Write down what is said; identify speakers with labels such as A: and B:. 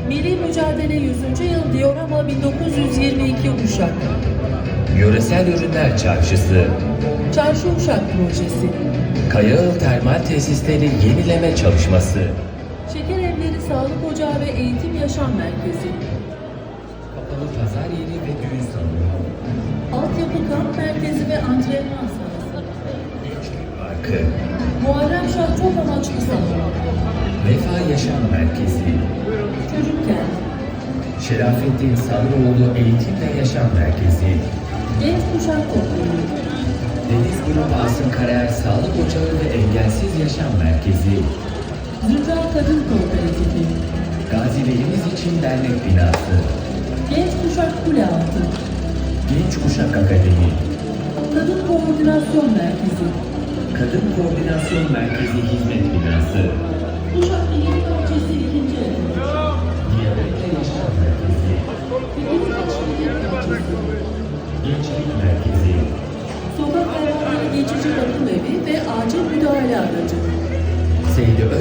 A: Milli Mücadele 100. Yıl Diorama 1922 Uşak.
B: Yöresel Ürünler Çarşısı,
A: Çarşı Uşak Projesi.
B: Kayaağıl Termal Tesisleri Yenileme Çalışması,
A: Şeker Evleri Sağlık Ocağı ve Eğitim Yaşam Merkezi.
B: Kapalı Pazar Yeri ve Düğün Salonu,
A: Altyapı Kamp Merkezi ve Antrenman Sahası.
B: Gençlik Parkı,
A: Muharrem Şah Çok Amaçlı Salonu.
B: Vefa Yaşam Merkezi,
A: Çocuk Kent.
B: Şerafettin Sarıoğlu Eğitim ve Yaşam Merkezi,
A: Genç Kuşak Topluluğu.
B: Deniz Grup Asım Karaer Sağlık Ocağı ve Engelsiz Yaşam Merkezi,
A: Zümra Kadın Kooperatifi.
B: Gazilerimiz İçin Dernek Binası,
A: Genç Kuşak Kule Altı.
B: Genç Kuşak Akademi,
A: Kadın Koordinasyon Merkezi.
B: Kadın Koordinasyon Merkezi Hizmet Binası,
A: Uşak Bilim Bahçesi 2. Evi.
B: Diyabetle Yaşam Merkezi,
A: Bilim Teşvik Bahçesi.
B: Gençlik Merkezi,
A: Sokak hayvanları geçici bakım evi ve acil müdahale aracı.
B: Seydi